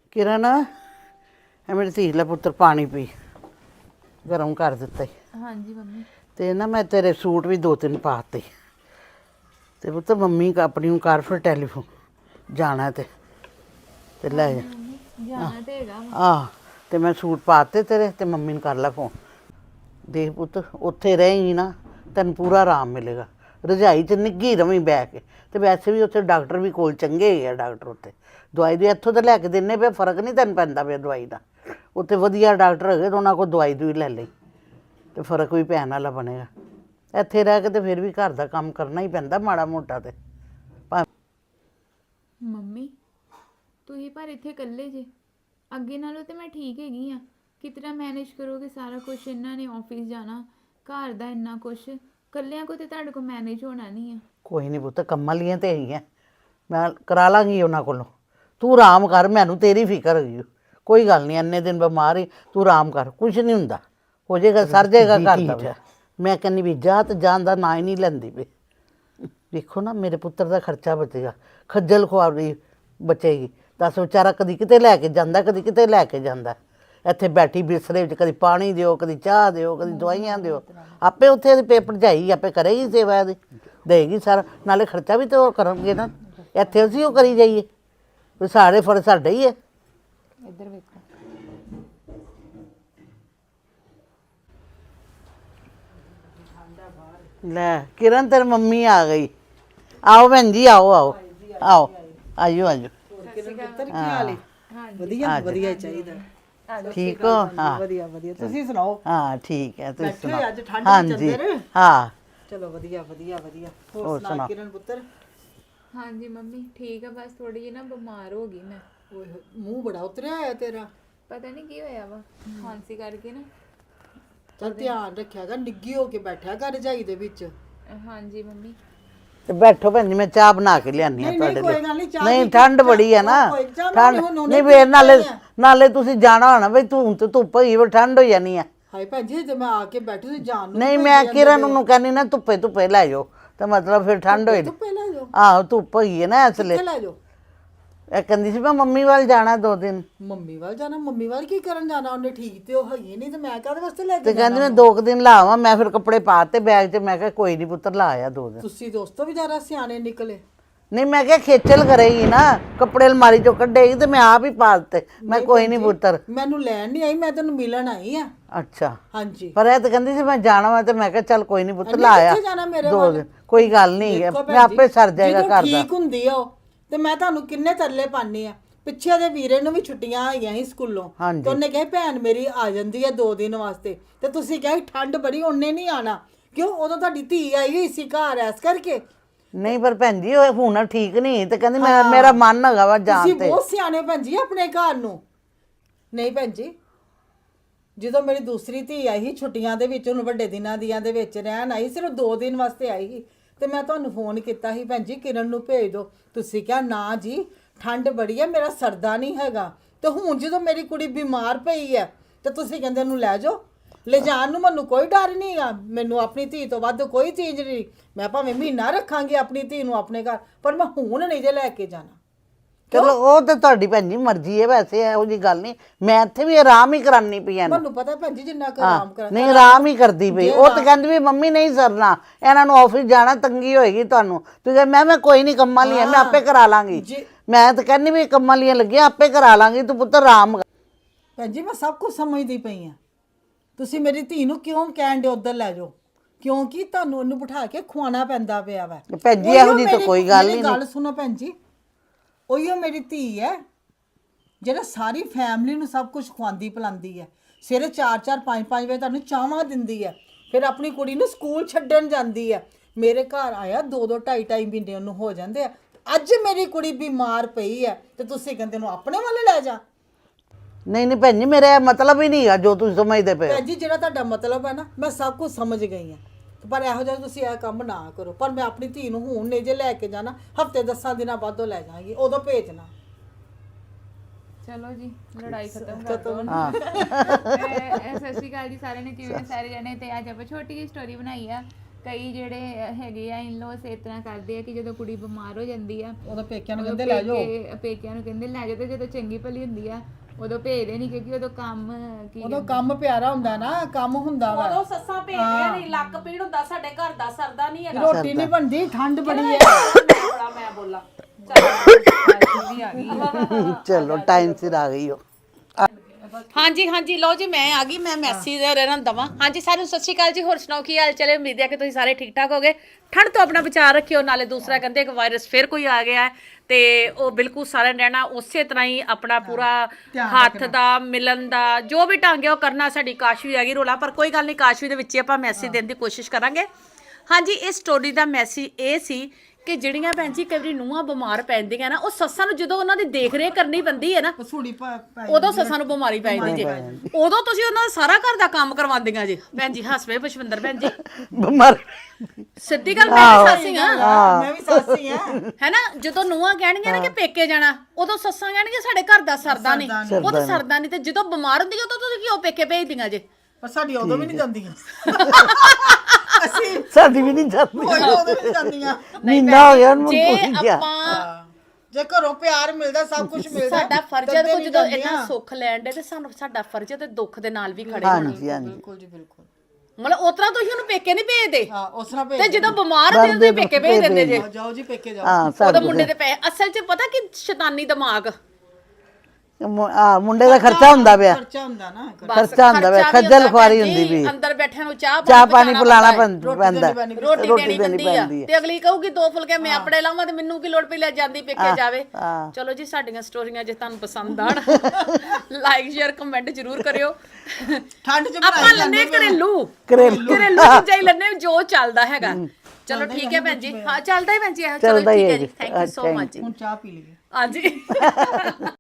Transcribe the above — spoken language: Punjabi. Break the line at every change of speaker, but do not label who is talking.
किरण ਇਹ ਮੇਰੀ ਧੀ ਲੈ ਪੁੱਤਰ ਪਾਣੀ ਪੀ ਗਰਮ ਕਰ ਦਿੱਤਾ ਈ।
ਹਾਂਜੀ ਮੰਮੀ।
ਤੇ ਨਾ ਮੈਂ ਤੇਰੇ ਸੂਟ ਵੀ 2-3 ਪਾਤੇ ਤੇ ਪੁੱਤਰ ਮੰਮੀ ਆਪਣੀ ਨੂੰ ਕਰ ਫਿਰ ਟੈਲੀਫੋਨ ਜਾਣਾ ਤੇ ਲੈ ਜਾ।
ਜਾਣਾ ਤੇ ਹੈਗਾ
ਆਹ ਤੇ ਮੈਂ ਸੂਟ ਪਾਤੇ ਤੇਰੇ ਤੇ ਮੰਮੀ ਨੂੰ ਕਰ ਲੈ ਫੋਨ। ਦੇਖ ਪੁੱਤ ਉੱਥੇ ਰਹੇਂਗੀ ਨਾ ਤੈਨੂੰ ਪੂਰਾ ਆਰਾਮ ਮਿਲੇਗਾ। ਰਜਾਈ 'ਚ ਨਿੱਘੀ ਰਵੀਂ ਬਹਿ ਕੇ ਤੇ ਵੈਸੇ ਵੀ ਉੱਥੇ ਡਾਕਟਰ ਵੀ ਕੋਲ ਚੰਗੇ ਹੀ ਆ ਡਾਕਟਰ ਉੱਥੇ। ਦਵਾਈ ਦੀ ਇੱਥੋਂ ਤਾਂ ਲੈ ਕੇ ਦਿੰਨੇ ਪਿਆ, ਫਰਕ ਨਹੀਂ ਤੈਨੂੰ ਪੈਂਦਾ ਪਿਆ ਦਵਾਈ ਦਾ। ਉੱਥੇ ਵਧੀਆ ਡਾਕਟਰ ਹੈਗੇ ਤਾਂ ਉਹਨਾਂ ਕੋਲ ਦਵਾਈ ਦੂਈ ਲੈ ਲਈ ਤੇ ਫਰਕ ਵੀ ਪੈਣ ਵਾਲਾ ਬਣੇਗਾ। ਇੱਥੇ ਰਹਿ ਕੇ ਤੇ ਫਿਰ ਵੀ ਘਰ ਦਾ ਕੰਮ ਕਰਨਾ ਹੀ ਪੈਂਦਾ ਮਾੜਾ ਮੋਟਾ ਤੇ।
ਮੰਮੀ ਤੁਸੀਂ ਪਰ ਇੱਥੇ ਇਕੱਲੇ ਜੇ, ਅੱਗੇ ਨਾਲੋਂ ਤੇ ਮੈਂ ਠੀਕ ਹੈਗੀ ਆ। ਕਿਤਨਾ ਮੈਨੇਜ ਕਰੋਗੇ ਸਾਰਾ ਕੁਝ? ਇਹਨਾਂ ਨੇ ਆਫਿਸ ਜਾਣਾ, ਘਰ ਦਾ ਇੰਨਾ ਕੁਝ, ਇਕੱਲਿਆਂ ਕੋ ਤੇ ਤੁਹਾਡੇ ਕੋਲ ਮੈਨੇਜ ਹੋਣਾ ਨਹੀਂ ਆ।
ਕੋਈ ਨਹੀਂ ਪੁੱਤ ਕੰਮਾਂ ਲੀਆਂ ਤੇ ਹੈਗੀਆਂ, ਮੈਂ ਕਰਾ ਲਾਂਗੀ ਉਹਨਾਂ ਕੋਲੋਂ। ਤੂੰ ਆਰਾਮ ਕਰ, ਮੈਨੂੰ ਤੇਰੀ ਫਿਕਰ ਹੈਗੀ। ਕੋਈ ਗੱਲ ਨਹੀਂ, ਇੰਨੇ ਦਿਨ ਬਿਮਾਰ ਹੀ ਤੂੰ ਆਰਾਮ ਕਰ, ਕੁਝ ਨਹੀਂ ਹੁੰਦਾ, ਹੋ ਜਾਏਗਾ, ਸਰ ਜਾਏਗਾ ਘਰ ਦਾ। ਮੈਂ ਕਹਿੰਦੀ ਵੀ ਜਾ ਤੇ ਜਾਣ ਦਾ ਨਾਂ ਹੀ ਨਹੀਂ ਲੈਂਦੀ ਪਈ। ਵੇਖੋ ਨਾ ਮੇਰੇ ਪੁੱਤਰ ਦਾ ਖਰਚਾ ਬਚੇਗਾ, ਖੱਜਲ ਖੁਆਰੀ ਬਚੇਗੀ। ਦੱਸ ਵਿਚਾਰਾ ਕਦੀ ਕਿਤੇ ਲੈ ਕੇ ਜਾਂਦਾ, ਕਦੀ ਕਿਤੇ ਲੈ ਕੇ ਜਾਂਦਾ। ਇੱਥੇ ਬੈਠੀ ਬਿਸਤਰੇ ਵਿੱਚ ਕਦੀ ਪਾਣੀ ਦਿਓ, ਕਦੀ ਚਾਹ ਦਿਓ, ਕਦੀ ਦਵਾਈਆਂ ਦਿਓ। ਆਪੇ ਉੱਥੇ ਇਹਦੇ ਪੇਪਰ ਜਾਈ ਆਪੇ ਕਰੇਗੀ ਸੇਵਾ ਇਹਦੀ, ਦੇਗੀ ਸਾਰਾ। ਨਾਲੇ ਖਰਚਾ ਵੀ ਤਾਂ ਉਹ ਕਰਨਗੇ ਨਾ, ਇੱਥੇ ਅਸੀਂ ਉਹ ਕਰੀ ਜਾਈਏ। ਸਾਰੇ ਫਰਜ਼ ਸਾਡਾ ਹੀ ਹੈ।
ਇੱਧਰ ਵੇਖੋ।
ਲੈ ਕਿਰਨ ਤੇਰੀ ਮੰਮੀ ਆ ਗਈ। ਆਓ ਭੈਣ ਜੀ, ਆਓ ਆਓ ਆਓ, ਆਇਓ ਆਇਓ।
ਵਧੀਆ ਵਧੀਆ ਚਾਹੀਦਾ।
ਠੀਕ ਹੋ? ਹਾਂ
ਵਧੀਆ ਵਧੀਆ, ਤੁਸੀਂ ਸੁਣਾਓ?
ਹਾਂ ਠੀਕ ਹੈ, ਤੁਸੀਂ ਸੁਣਾਓ?
ਅੱਜ ਠੰਡ
ਹਾਂਜੀ ਹਾਂ
ਚਲੋ ਵਧੀਆ ਵਧੀਆ ਵਧੀਆ। ਹੋਰ ਸੁਣਾ ਕਿਰਨ ਪੁੱਤਰ?
ਹਾਂਜੀ ਮੰਮੀ ਠੀਕ ਆ, ਬਸ ਥੋੜੀ ਜਿਹੀ ਨਾ ਬਿਮਾਰ ਹੋ ਗਈ ਮੈਂ।
ਓਏ ਮੂੰਹ ਬੜਾ ਉਤਰਿਆ ਹੋਇਆ ਤੇਰਾ।
ਪਤਾ ਨਹੀਂ ਕੀ ਹੋਇਆ ਵਾ, ਖਾਂਸੀ ਕਰਕੇ ਨਾ।
ਚੱਲ ਧਿਆਨ ਰੱਖਿਆਗਾ, ਨਿੱਗੀ ਹੋ ਕੇ ਬੈਠਿਆ ਕਰ ਰਜਾਈ ਦੇ ਵਿੱਚ।
ਹਾਂਜੀ ਮੰਮੀ।
ਤੇ ਬੈਠੋ ਭੈਣ ਜੀ, ਮੈਂ ਚਾਹ ਬਣਾ ਕੇ ਲਿਆਨੀ ਆ ਤੁਹਾਡੇ
ਕੋਈ
ਲਈ।
ਗੱਲ ਨਹੀਂ, ਚਾਹ
ਨਹੀਂ ਠੰਡ ਬੜੀ ਹੈ ਨਾ, ਠੰਡ ਨਹੀਂ ਫੇਰ ਨਾਲੇ ਤੁਸੀਂ ਜਾਣਾ ਹੋਣਾ ਬਈ, ਧੁੱਪ ਹੀ ਠੰਡ ਹੋ ਜਾਣੀ ਆ।
ਹਾਏ ਭੈਣ ਜੀ ਜੇ ਮੈਂ ਆ ਕੇ ਬੈਠੀ ਸੀ ਜਾਣ ਨੂੰ।
ਨਹੀਂ ਮੈਂ ਕਿਰਨ ਨੂੰ ਕਹਿੰਦੀ ਨਾ ਧੁੱਪੇ ਲੈ ਜਾਓ, ਤਾਂ ਮਤਲਬ ਫਿਰ ਠੰਡ ਹੋਏ।
ਧੁੱਪੇ ਲੈ ਜਾਓ।
ਆਹੋ ਧੁੱਪ ਹੈਗੀ ਹੈ ਨਾ ਇਸ ਲਈ।
ਲੈ ਜਾਓ।
ਇਹ ਕਹਿੰਦੀ ਸੀ ਮੈਂ ਮੰਮੀ ਵੱਲ ਜਾਣਾ 2 ਦਿਨ।
ਮੰਮੀ ਵੱਲ ਜਾਣਾ? ਮੰਮੀ ਵੱਲ ਕੀ ਕਰਨ ਜਾਣਾ? ਉਹਨੇ ਠੀਕ ਤੇ ਉਹ ਹੈਗੀ ਨਹੀਂ ਤੇ ਮੈਂ ਕਾਹਦੇ ਵਾਸਤੇ ਲੈ
ਤੇ
ਕੇ
ਕਹਿੰਦੀ ਮੈਂ 2 ਦਿਨ ਲਾਵਾਂ। ਮੈਂ ਫਿਰ ਕੱਪੜੇ ਪਾਤੇ ਬੈਗ 'ਚ। ਮੈਂ ਕਿਹਾ ਕੋਈ ਨਹੀਂ ਪੁੱਤਰ ਲਾ ਆਇਆ 2 ਦਿਨ।
ਤੁਸੀਂ ਦੋਸਤੋ ਵੀ ਜ਼ਿਆਦਾ ਸਿਆਣੇ ਨਿਕਲੇ।
ਨਹੀਂ ਮੈਂ ਕਿਹਾ ਖੇਚਲ ਕਰੇਗੀ ਨਾ, ਕੱਪੜੇ ਅਲਮਾਰੀ 'ਚੋਂ ਕੱਢੇਗੀ ਤੇ ਮੈਂ ਆਪ ਹੀ ਪਾ ਦਿੱਤੇ। ਮੈਂ ਕੋਈ ਨਹੀਂ ਪੁੱਤਰ।
ਮੈਨੂੰ ਲੈਣ ਨਹੀਂ ਆਈ, ਮੈਂ ਤੈਨੂੰ ਮਿਲਣ ਆਈ ਆ।
ਅੱਛਾ
ਹਾਂਜੀ।
ਪਰ ਇਹ ਤਾਂ ਕਹਿੰਦੀ ਸੀ ਮੈਂ ਜਾਣਾ ਵਾ, ਤੇ ਮੈਂ ਕਿਹਾ ਚੱਲ ਕੋਈ ਨਹੀਂ ਪੁੱਤ ਲਾ ਆਇਆ
ਕਿੱਥੇ ਜਾਣਾ ਮੇਰੇ
2
ਵੱਲ?
ਦਿਨ। ਕੋਈ ਗੱਲ ਨਹੀਂ, ਮੈਂ ਆਪੇ ਸਰ ਜਾਏਗਾ ਘਰ ਦਾ।
ਠੀਕ ਹੁੰਦੀ ਆ ਉਹ ਤੇ ਮੈਂ ਤੁਹਾਨੂੰ ਕਿੰਨੇ ਤਰਲੇ ਪਾਣੀ ਆ। ਪਿੱਛੇ ਦੇ ਵੀਰੇ ਨੂੰ ਵੀ ਛੁੱਟੀਆਂ ਆਈਆਂ ਸੀ ਸਕੂਲੋਂ ਤੇ ਉਹਨੇ ਕਿਹਾ ਭੈਣ ਮੇਰੀ ਆ ਜਾਂਦੀ ਹੈ 2 ਦਿਨ ਵਾਸਤੇ, ਤੇ ਤੁਸੀਂ ਕਿਹਾ ਠੰਡ ਬੜੀ, ਉਹਨੇ ਨਹੀਂ ਆਣਾ। ਕਿਉਂ? ਉਦੋਂ ਤੁਹਾਡੀ ਧੀ ਆਈ ਹੋਈ ਸੀ ਘਰ, ਐਸ ਕਰਕੇ।
ਨਹੀਂ ਪਰ ਭੈਣ ਜੀ ਉਹ ਹੁਣ ਠੀਕ ਨਹੀਂ ਤੇ ਕਹਿੰਦੀ ਮੇਰਾ ਮਨ ਹੈਗਾ ਵਾ ਜਾਣ ਤੇ।
ਤੁਸੀਂ ਬਹੁਤ ਸਿਆਣੇ ਭੈਣ ਜੀ ਆਪਣੇ ਘਰ ਨੂੰ। ਨਹੀਂ ਭੈਣ ਜੀ, ਜਦੋਂ ਮੇਰੀ ਦੂਸਰੀ ਧੀ ਆਈ ਸੀ ਛੁੱਟੀਆਂ ਦੇ ਵਿੱਚ, ਉਹਨੂੰ ਵੱਡੇ ਦਿਨਾਂ ਦੀਆਂ ਦੇ ਵਿੱਚ ਰਹਿਣ ਆਈ, ਸਿਰਫ 2 ਦਿਨ ਵਾਸਤੇ ਆਈ ਸੀ, ਤੇ ਮੈਂ ਤੁਹਾਨੂੰ ਫੋਨ ਕੀਤਾ ਸੀ ਭੈਣ ਜੀ ਕਿਰਨ ਨੂੰ ਭੇਜ ਦਿਓ। ਤੁਸੀਂ ਕਿਹਾ ਨਾ ਜੀ ਠੰਡ ਬੜੀ ਹੈ, ਮੇਰਾ ਸਰਦਾ ਨਹੀਂ ਹੈਗਾ। ਤੇ ਹੁਣ ਜਦੋਂ ਮੇਰੀ ਕੁੜੀ ਬਿਮਾਰ ਪਈ ਹੈ ਤੇ ਤੁਸੀਂ ਕਹਿੰਦੇ ਉਹਨੂੰ ਲੈ ਜਾਓ। ਲੈ ਜਾਣ ਨੂੰ ਮੈਨੂੰ ਕੋਈ ਡਰ ਨਹੀਂ ਆ, ਮੈਨੂੰ ਆਪਣੀ ਧੀ ਤੋਂ ਵੱਧ ਕੋਈ ਚੀਜ਼ ਨਹੀਂ। ਮੈਂ ਭਾਵੇਂ ਮਹੀਨਾ ਰੱਖਾਂਗੀ ਆਪਣੀ ਧੀ ਨੂੰ ਆਪਣੇ ਘਰ, ਪਰ ਮੈਂ ਹੁਣ ਨਹੀਂ ਜੇ ਲੈ ਕੇ ਜਾਣਾ।
ਚਲੋ ਉਹ ਤਾਂ ਤੁਹਾਡੀ ਭੈਣ ਜੀ ਮਰਜ਼ੀ ਹੈ, ਵੈਸੇ ਇਹੋ ਜੀ ਗੱਲ ਨਹੀਂ। ਮੈਂ ਇੱਥੇ ਵੀ ਆਰਾਮ ਹੀ ਕਰਾਨੀ ਪਈ ਐ।
ਮੈਨੂੰ ਪਤਾ ਭੈਣ ਜੀ ਜਿੰਨਾ ਕੁ ਆਰਾਮ ਕਰਾਂ।
ਨਹੀਂ ਆਰਾਮ ਹੀ ਕਰਦੀ ਪਈ। ਉਹ ਤਾਂ ਕਹਿੰਦੀ ਵੀ ਮੰਮੀ ਨਹੀਂ ਸਰਨਾ, ਇਹਨਾਂ ਨੂੰ ਆਫਿਸ ਜਾਣਾ, ਤੰਗੀ ਹੋਏਗੀ ਤੁਹਾਨੂੰ। ਤੂੰ ਕਹ ਮੈਂ ਕੋਈ ਨਹੀਂ ਕੰਮਾਂ ਲਈ, ਮੈਂ ਆਪੇ ਕਰਾ ਲਾਂਗੀ। ਮੈਂ ਤਾਂ ਕਹਿੰਦੀ ਵੀ ਕੰਮਾਂ ਲਈ ਲੱਗਿਆ, ਆਪੇ ਕਰਾ ਲਾਂਗੀ, ਤੂੰ ਪੁੱਤਰ ਆਰਾਮ ਕਰ।
ਭੈਣ ਜੀ ਮੈਂ ਸਭ ਕੁਝ ਸਮਝਦੀ ਪਈ ਆ। ਤੁਸੀਂ ਮੇਰੀ ਧੀ ਨੂੰ ਕਿਉਂ ਕਹਿਣ ਦੇ ਉੱਧਰ ਲੈ ਜਾਓ? ਕਿਉਂਕਿ ਤੁਹਾਨੂੰ ਉਹਨੂੰ ਬਿਠਾ ਕੇ ਖਵਾਉਣਾ ਪੈਂਦਾ ਪਿਆ ਵਾ।
ਭੈਣ ਜੀ ਇਹੋ ਜੀ ਤਾਂ ਕੋਈ ਗੱਲ ਨਹੀਂ।
ਗੱਲ ਸੁਣੋ ਭੈਣ ਜੀ, ਉਹੀਓ ਮੇਰੀ ਧੀ ਹੈ ਜਿਹੜਾ ਸਾਰੀ ਫੈਮਿਲੀ ਨੂੰ ਸਭ ਕੁਝ ਖਵਾਉਂਦੀ ਪਿਲਾਉਂਦੀ ਹੈ। ਸਵੇਰੇ 4-4 5-5 ਵਜੇ ਤੁਹਾਨੂੰ ਚਾਹਾਂ ਦਿੰਦੀ ਹੈ, ਫਿਰ ਆਪਣੀ ਕੁੜੀ ਨੂੰ ਸਕੂਲ ਛੱਡਣ ਜਾਂਦੀ ਹੈ। ਮੇਰੇ ਘਰ ਆਇਆ 2-2 2.5 ਮਹੀਨੇ ਉਹਨੂੰ ਹੋ ਜਾਂਦੇ ਆ। ਅੱਜ ਮੇਰੀ ਕੁੜੀ ਬਿਮਾਰ ਪਈ ਹੈ ਤੇ ਤੁਸੀਂ ਕਹਿੰਦੇ ਨੂੰ ਆਪਣੇ ਵੱਲ ਲੈ ਜਾ।
ਨਹੀਂ ਭੈਣ ਜੀ ਮੇਰਾ ਮਤਲਬ ਹੀ ਨਹੀਂ ਆ ਜੋ ਤੁਸੀਂ ਸਮਝਦੇ ਪਏ।
ਭੈਣ ਜੀ ਜਿਹੜਾ ਤੁਹਾਡਾ ਮਤਲਬ ਹੈ ਨਾ, ਮੈਂ ਸਭ ਕੁਝ ਸਮਝ ਗਈ ਹਾਂ, ਪਰ ਇਹੋ ਜਿਹਾ ਤੁਸੀਂ ਇਹ ਕੰਮ ਨਾ ਕਰੋ। ਪਰ ਮੈਂ ਆਪਣੀ ਧੀ ਨੂੰ ਹੁਣ ਨਹੀਂ ਜੇ ਲੈ ਕੇ ਜਾਣਾ, ਹਫਤੇ 10 ਦਿਨਾਂ ਬਾਅਦੋਂ ਲੈ ਜਾਵਾਂਗੀ, ਉਦੋਂ ਭੇਜਣਾ।
ਚਲੋ ਜੀ ਲੜਾਈ ਖਤਮ ਕਰ ਦੋ। ਸਤਿ ਸ਼੍ਰੀ ਅਕਾਲ ਜੀ ਸਾਰਿਆਂ ਨੇ, ਕਿਵੇਂ ਸਾਰੇ ਜਣੇ। ਤੇ ਅੱਜ ਆਪਾਂ ਛੋਟੀ ਜਿਹੀ ਸਟੋਰੀ ਬਣਾਈ ਆ ਕਈ ਜਿਹੜੇ ਹੈਗੇ ਆ ਇਨ-ਲॉज ਇਸ ਤਰ੍ਹਾਂ ਕਰਦੇ ਆ ਕਿ ਜਦੋਂ ਕੁੜੀ ਬਿਮਾਰ ਹੋ ਜਾਂਦੀ ਆ
ਉਹਦਾ ਪੇਕਿਆਂ ਨੂੰ
ਉਦੋਂ
ਕਹਿੰਦੇ ਲੈ ਜਾਓ
ਪੇਕਿਆਂ ਨੂੰ ਕਹਿੰਦੇ ਲੈ ਜਾਓ, ਤੇ ਜਦੋਂ ਚੰਗੀ ਭਲੀ ਹੁੰਦੀ ਆ ਉਦੋਂ ਭੇਜਦੇ ਨਹੀਂ, ਕਿਉਂਕਿ ਉਦੋਂ ਕੰਮ ਕੀ
ਉਦੋਂ ਕੰਮ ਪਿਆਰਾ ਹੁੰਦਾ ਨਾ, ਕੰਮ ਹੁੰਦਾ ਵਾ,
ਉਦੋਂ ਸੱਸਾਂ ਭੇਜਦੀਆਂ ਨਹੀਂ, ਲੱਕ ਪੀੜ ਹੁੰਦਾ, ਸਾਡੇ ਘਰ ਦਾ ਸਰਦਾ ਨਹੀਂ ਹੈਗਾ।
ਰੋਟੀ ਨਹੀਂ ਬਣਦੀ, ਠੰਡ ਬੜੀ ਹੈ।
ਮੈਂ ਬੋਲਾਂ ਚੱਲ ਵੀ ਆ ਗਈ।
ਚਲੋ ਟਾਈਮ ਸਿਰ ਆ ਗਈ ਹੋ।
ਹਾਂਜੀ ਹਾਂਜੀ ਲਓ ਜੀ, ਮੈਂ ਆ ਗਈ, ਮੈਂ ਮੈਸੀ ਦੇ ਰਹਿਣਾ ਦਵਾਂ। ਹਾਂਜੀ ਸਾਰਿਆਂ ਨੂੰ ਸਤਿ ਸ਼੍ਰੀ ਅਕਾਲ ਜੀ, ਹੋਰ ਸੁਣਾਓ ਕੀ ਹਾਲ ਚਾਲ ਹੈ? ਉਮੀਦ ਹੈ ਕਿ ਤੁਸੀਂ ਸਾਰੇ ਠੀਕ ਠਾਕ ਹੋਗੇ। ਠੰਡ ਤੋਂ ਆਪਣਾ ਬਚਾਅ ਰੱਖਿਓ, ਨਾਲੇ ਦੂਸਰਾ ਕਹਿੰਦੇ ਇੱਕ ਵਾਇਰਸ ਫਿਰ ਕੋਈ ਆ ਗਿਆ ਹੈ ਤੇ ਉਹ ਬਿਲਕੁਲ ਸਾਰਿਆਂ ਨੇ ਰਹਿਣਾ ਉਸੇ ਤਰ੍ਹਾਂ ਹੀ, ਆਪਣਾ ਪੂਰਾ ਹੱਥ ਦਾ ਮਿਲਣ ਦਾ ਜੋ ਵੀ ਢੰਗ ਹੈ ਉਹ ਕਰਨਾ। ਸਾਡੀ ਕਾਸ਼ਵੀ ਆ ਗਈ ਰੋਲਾ, ਪਰ ਕੋਈ ਗੱਲ ਨਹੀਂ, ਕਾਸ਼ਵੀ ਦੇ ਵਿੱਚ ਹੀ ਆਪਾਂ ਮੈਸੇਜ ਦੇਣ ਦੀ ਕੋਸ਼ਿਸ਼ ਕਰਾਂਗੇ। ਹਾਂਜੀ, ਇਸ ਸਟੋਰੀ ਦਾ ਮੈਸੇਜ ਇਹ ਸੀ ਕਿ ਜਿਹੜੀਆਂ ਭੈਣ ਜੀ ਕਈ ਵਾਰੀ ਨੂੰਹਾਂ ਬਿਮਾਰ ਪੈਂਦੀਆਂ ਨਾ, ਉਹ ਸੱਸਾਂ ਨੂੰ ਜਦੋਂ ਉਹਨਾਂ ਦੀ ਦੇਖ ਰੇਖ ਕਰਨੀ ਪੈਂਦੀ ਹੈ ਨਾ,
ਪਸੂੜੀ
ਉਦੋਂ ਸੱਸਾਂ ਨੂੰ ਬਿਮਾਰੀ ਪੈ ਜਾਂਦੀ ਜੇ, ਉਦੋਂ ਤੁਸੀਂ ਉਹਨਾਂ ਦਾ ਸਾਰਾ ਘਰ ਦਾ ਕੰਮ ਕਰਵਾਉਂਦੀਆਂ ਜੀ। ਭੈਣ ਜੀ ਹੱਸ ਪਏ ਪੁਸ਼ਪਿੰਦਰ ਭੈਣ ਜੀ,
ਬਿਮਾਰ
ਸਿੱਧੀ ਗੱਲ, ਮੈਂ ਵੀ ਸਾਸੀ ਆ
ਮੈਂ ਵੀ ਸਾਸੀ ਆ
ਹੈ ਨਾ। ਜਦੋਂ ਨੂੰਹਾਂ ਕਹਿਣਗੀਆਂ ਨਾ ਕਿ ਪੇਕੇ ਜਾਣਾ, ਉਦੋਂ ਸੱਸਾਂ ਕਹਿਣਗੀਆਂ ਸਾਡੇ ਘਰ ਦਾ ਸਰਦਾ ਨਹੀਂ, ਉਹ ਤਾਂ ਸਰਦਾ ਨਹੀਂ, ਤੇ ਜਦੋਂ ਬਿਮਾਰ ਹੁੰਦੀ ਉਦੋਂ ਤੁਸੀਂ ਕਿਉਂ ਪੇਕੇ ਭੇਜਦੀਆਂ ਜੇ?
ਪਰ ਸਾਡੀ ਉਦੋਂ ਵੀ ਨਹੀਂ ਜਾਂਦੀਆਂ, ਅਸੀਂ
ਸਾਡੀ ਵੀ ਨਹੀਂ ਜਾਂਦੀ,
ਕੋਈ ਉਦੋਂ ਵੀ ਨਹੀਂ ਜਾਂਦੀਆਂ।
ਮਹੀਨਾ ਹੋ ਗਿਆ ਉਹਨੂੰ
ਜੇ
ਭੁੱਲ ਗਿਆ।
ਆਪਾਂ
ਜੇ ਘਰੋਂ ਪਿਆਰ ਮਿਲਦਾ, ਸਭ ਕੁਝ ਮਿਲਦਾ,
ਸਾਡਾ ਫਰਜ਼ ਹੈ
ਤਦੇ
ਕਿ ਜਦੋਂ
ਨਹੀਂ
ਇੰਨਾ
ਜਾਂਦੀਆਂ।
ਸੁੱਖ ਲੈਣ ਦੇ, ਤੇ ਸਾਨੂੰ ਸਾਡਾ ਫਰਜ਼ ਹੈ ਤੇ ਦੁੱਖ ਦੇ ਨਾਲ ਵੀ ਖੜੇ ਹੋਣਾ।
ਹਾਂਜੀ ਹਾਂਜੀ
ਬਿਲਕੁਲ ਜੀ ਬਿਲਕੁਲ।
ਮਤਲਬ ਉਤਰਾ ਤੁਸੀਂ ਉਹਨੂੰ ਪੇਕੇ ਨਹੀਂ ਭੇਜਦੇ,
ਹਾਂ, ਉਸ ਤਰ੍ਹਾਂ
ਤੇ
ਭੇਜ
ਜਦੋਂ ਬਿਮਾਰ ਹੁੰਦੇ ਤੁਸੀਂ ਪੇਕੇ ਭੇਜ ਦਿੰਦੇ ਜੇ।
ਜਾਓ ਜੀ ਪੇਕੇ ਜਾਓ।
ਹਾਂ
ਉਹਦਾ
ਸਾਡੇ
ਮੁੰਡੇ ਦੇ ਪੈ ਅਸਲ 'ਚ ਪਤਾ ਕਿ ਸ਼ੈਤਾਨੀ ਦਿਮਾਗ,
ਮੁੰਡੇ ਦਾ ਖਰਚਾ ਹੁੰਦਾ ਪਿਆ,
ਖਰਚਾ ਹੁੰਦਾ ਨਾ,
ਬਸ
ਖਰਚਾ ਹੁੰਦਾ ਵਾ,
ਖਰਚਾ ਵੀ
ਖੱਜਲ
ਹੁੰਦਾ
ਖੁਆਰੀ
ਭੈਣ ਜੀ,
ਹੁੰਦੀ ਵੀ,
ਅੰਦਰ ਬੈਠਿਆਂ ਨੂੰ ਚਾਹ
ਚਾਹ ਪਾਣੀ
ਪਹੁੰਚਾਉਣਾ
ਪਿਲਾਣਾ
ਪੈਂਦਾ
ਪੈਂਦਾ,
ਰੋਟੀ ਦੇਣੀ ਪੈਂਦੀ ਆ, ਤੇ ਅਗਲੀ ਕਹੂਗੀ ਦੋ ਫੁਲਕੇ ਮੈਂ ਆਪਣੇ ਲਾਵਾਂ ਤੇ ਮੈਨੂੰ ਕੀ ਲੋੜ ਪਈ ਲੈ ਜਾਂਦੀ ਪੇਕੇ ਜਾਵੇ।
ਹਾਂ।
ਚਲੋ ਜੀ, ਸਾਡੀਆਂ ਸਟੋਰੀਆਂ ਜੇ ਤੁਹਾਨੂੰ ਪਸੰਦ ਆਣ ਲਾਈਕ ਸ਼ੇਅਰ ਕਮੈਂਟ ਜ਼ਰੂਰ ਕਰਿਓ।
ਠੰਡ ਚ
ਆਪਾਂ ਲੰਨੇ ਘਰੇਲੂ ਚੀਜ਼ਾਂ ਹੀ ਲੰਨੇ ਜੋ ਚੱਲਦਾ ਹੈਗਾ। ਚਲੋ ਠੀਕ ਹੈ ਭੈਣ ਜੀ, ਹਾਂ ਚੱਲਦਾ ਹੀ ਭੈਣ ਜੀ, ਚਲੋ
ਚੱਲਦਾ ਹੀ
ਠੀਕ
ਹੈ
ਹੈ ਜੀ,
ਜੀ।
ਥੈਂਕ ਯੂ ਸੋ ਮਚ ਜੀ।
ਹੁਣ ਚਾਹ ਪੀ ਲਈਏ।
ਹਾਂਜੀ।